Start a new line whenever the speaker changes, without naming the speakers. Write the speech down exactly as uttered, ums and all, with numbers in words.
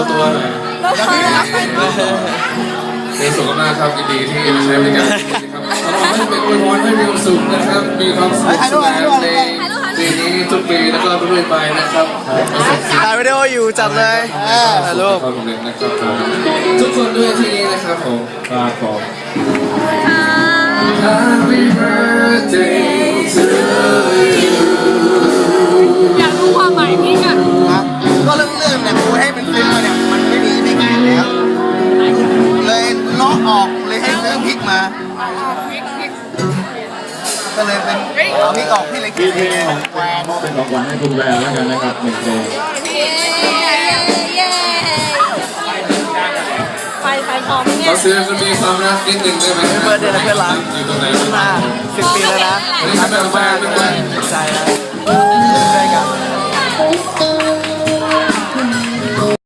ตัวหน่อย
แล้วพอแล้วไปต่อ
เป็นสุขมากครับยินดีที่มาใช้บริการครับขอให้เป็นอวยพรให้มีความสุขนะครับมีความสุขสนานในปีนี้ทุกปีแล้วก็เรื่อยไปนะครับ
ถ่ายวิดีโออยู่จัดเลยถ่ายรูป
ขอบคุณนะครับทุกคนด้วยที่นี้นะครับผมครับผม Happy birthday to you
อยากรู้ความหมายพี่กัน
ก็เรื่องเรื่องเนี่ยกูให้เป็นฟิล์มมาเนี่ยมันไม่มีในเกมแล้วเลยเลาะออกเลยให้ซื้อพริกมาก็เลยเป็นเอาพริกออกที่เลย
มีเพลงของแวร์มอบเป็นของขวัญให้คุณแวร์แล้วกันนะครับหนึ่งเพลง
เย้เย้ไฟไฟพร้อมเนี่
ข
ย
อเสียงจะมีความรักนิดนึงได้ไหม
เบอร์เดย์นะเพื่อนรัก
อยู่ตรงไหน
มาสิบปีแล้วนะ
อันนี้ทำแบบแฟนเป็นคน
ใจนะ